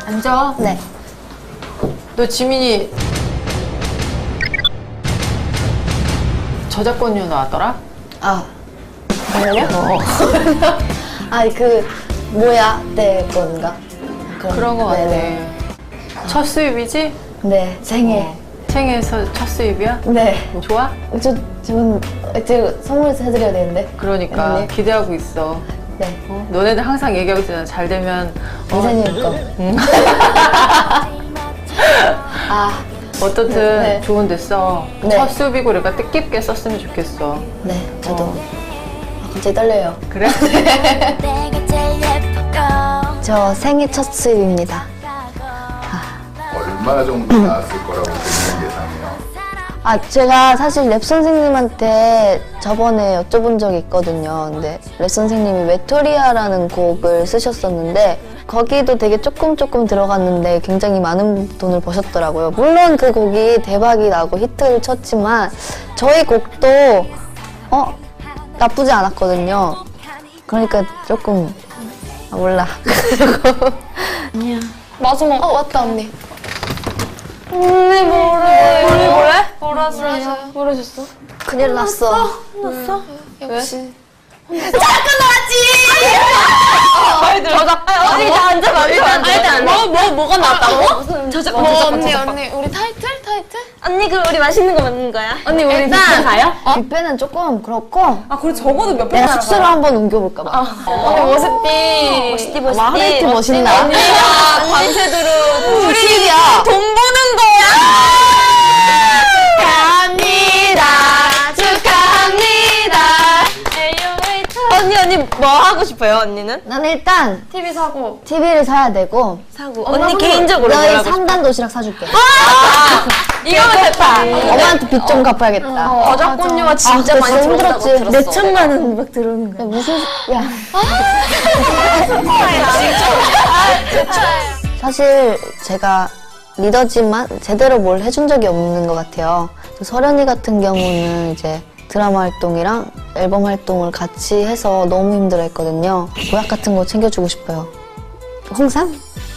앉아. 네. 너 지민이 저작권료 나왔더라? 아, 정말요? 아니, 뭐야, 때 건가? 그런 거 같아. 네네. 첫 수입이지? 네, 생일. 생애에서 첫 수입이야? 네. 좋아? 제가 선물 해드려야 되는데. 그러니까 네. 기대하고 있어. 네. 너네들 항상 얘기하고 있잖아. 잘 되면 이사님 거. 아, 어떻든 네. 좋은 데 써. 네. 첫 수입이고 그러니까 뜻깊게 썼으면 좋겠어. 네, 저도. 갑자기 떨려요. 그래? 저 생애 첫 수입입니다. 얼마 정도 나왔을 거라고 본인 예상해요? 아, 제가 사실 랩 선생님한테 저번에 여쭤본 적이 있거든요. 근데 랩 선생님이 웨토리아라는 곡을 쓰셨었는데 거기도 되게 조금 들어갔는데 굉장히 많은 돈을 버셨더라고요. 물론 그 곡이 대박이 나고 히트를 쳤지만 저희 곡도 나쁘지 않았거든요. 그러니까 조금 몰라. 아니야. 마지막. 맞다, 언니. 언니 뭐래? 모르셨어? 큰일 났어. 역시. 언니 나 앉아봐. 일단 뭐가 나왔다고? 언니. 우리 타이틀? 언니 그럼 우리 맛있는 거 먹는 거야? 언니, 우리 뷔페 가요? 뷔페는 조금 그렇고 아, 그래, 적어도 몇 내가 숙소를 한번 옮겨볼까 봐. 언니, 멋있디. 멋있디 하이트 멋있나? 언니가 밤새도록 우리 집이야. 돈 버는 거야! 언니 뭐 하고 싶어요 언니는? 나는 일단 TV 사고. TV를 사야 되고 사고 언니 개인적으로 너희 뭐 하고 3단 도시락 사줄게. 이거면 됐다. 엄마한테 빚 좀 갚아야겠다. 저작권료가 진짜 아, 많이 그거 들어온다고 힘들었지. 들었어. 몇 천만 원 막 들어오는 거야. 무슨 야. 사실 제가 리더지만 제대로 뭘 해준 적이 없는 것 같아요. 설현이 같은 경우는 이제 드라마 활동이랑 앨범 활동을 같이 해서 너무 힘들어했거든요. 보약 같은 거 챙겨주고 싶어요. 홍삼?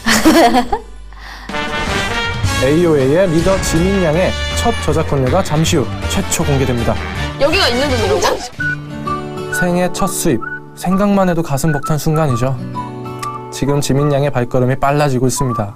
AOA의 리더 지민 양의 첫 저작권료가 잠시 후 최초 공개됩니다. 여기가 있는 돈이라고? 생애 첫 수입, 생각만 해도 가슴 벅찬 순간이죠. 지금 지민 양의 발걸음이 빨라지고 있습니다.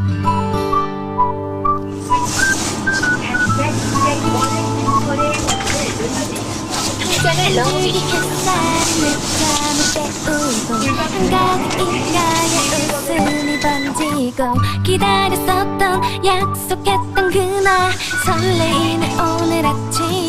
기다렸었던 약속했던 그날 설레이는 오늘 아침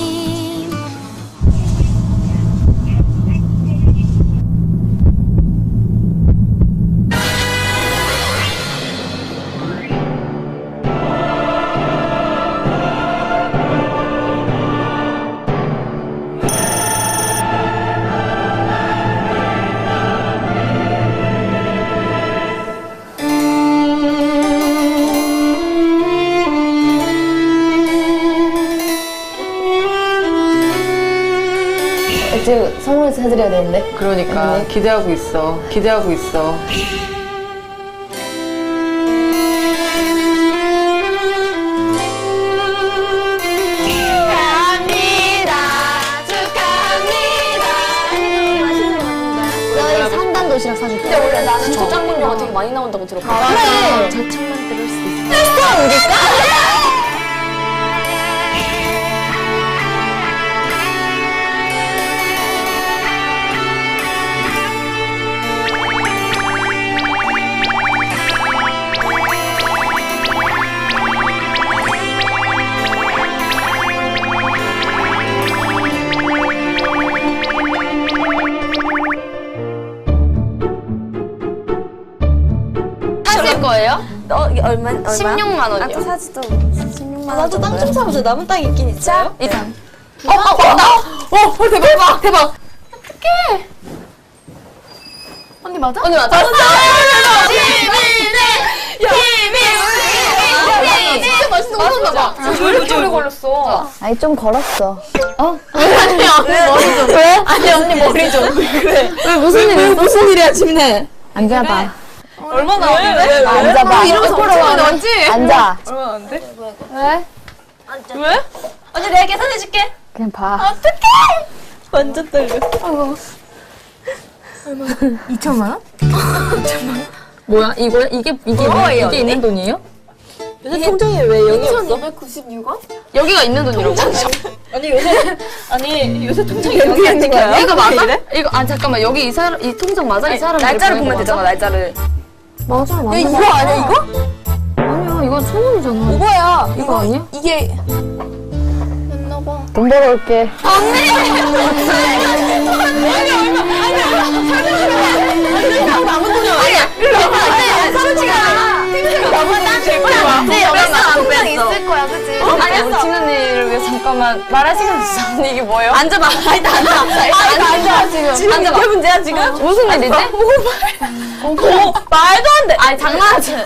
제가 선물 해드려야 되는데. 그러니까 네. 기대하고 있어. 기대하고 있어. 너희 3단 도시락 사줄게. 근데 원래 나는 저작권료가 되게 많이 나온다고 들었거든. 그래. 절창만 들을 수 있어. 하실 거예요? 얼마? 16만 원이요. 나도 사지도 16만 원. 나도 땅 좀 사보자. 남은 땅 있긴 있어요? 일단. 대박. 어떡해. 언니 맞아? 언니 맞아. 진짜 맛있는 거 먹었나 봐. 왜 이렇게 오래 걸렸어? 아니 좀 걸었어. 아니 언니 머리 좀. 왜 무슨 일이야 지민아? 앉아봐. 얼마나 나오는데? 앉아봐. 이러면서 엄청 많이 나왔지? 앉아. 얼마나 나왔는데? 왜? 왜? 언니 내가 계산해줄게. 그냥 봐. 완전 떨려. 뭐야? 이거야? 이게 있는 돈이에요? 요새 통장에 왜 0이 없어? 296원? 여기가 있는 돈이라고? 아니 요새 통장에 0이 안 찍혀요? 이거 맞아? 이거 잠깐만 여기 이 통장 맞아? 이 사람 날짜를 보면 되잖아 날짜를. 맞아, 맞아. 이거 아니야 이거? 아니야 이거 1,000원이잖아. 뭐야? 이거 아니야? 이게 돈 벌어올게. 있을 거야, 그치? 아니 우리 친언니를 위해 잠깐만 말할 시간 주자. 언니 이게 뭐예요? 앉아봐. 일단 앉아. 지금 앉아봐. 이게 문제야 지금? 무슨 일이지? 말도 안 돼. 아니 장난하지.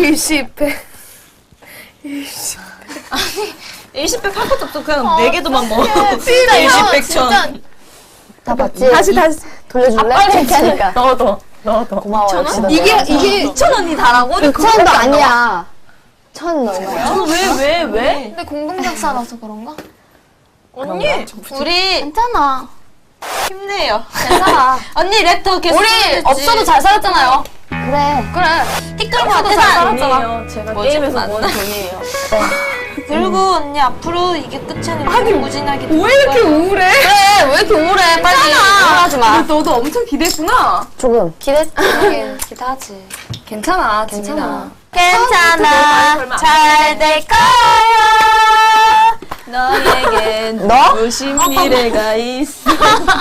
20백 할 것도 없어. 그냥 4개도만 먹어. 진짜 20백 천. 다 봤지? 다시. 돌려줄래? 이렇게 하니까. 넣어둬. 고마워, 역시 너. 이게 2,000원이 다라고? 6,000원도 아니야. 1,000원 얼마야? 왜? 근데 공동작사라서 그런가? 언니, 우리 괜찮아. 힘내요. 괜찮아. 언니 랩터 계속 우리 없어도 잘 살았잖아요. 그래. 그래. 티끌 없어도 잘 살았잖아. 제가 게임에서 모은 돈이에요. 그리고 언니 앞으로 이게 끝이 아니라 무진하게 왜 이렇게 그래 왜 이렇게 우울해? 빨리 우울하지 마. 너도 엄청 기대했구나. 조금. 기대하지. 괜찮아. 괜찮아. 괜찮아. 잘 될 거야. 너에겐 너? 무슨 미래가 있어.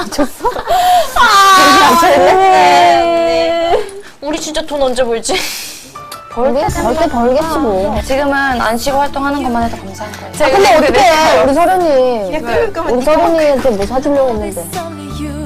우리 진짜 돈 언제 벌지? 벌게 벌겠지 뭐. 지금은 안 쉬고 활동하는 것만 해도 감사한 거예요. 근데 어떡해. 우리 서련이. 우리 서련이한테 뭐 사주려고 했는데. It's only you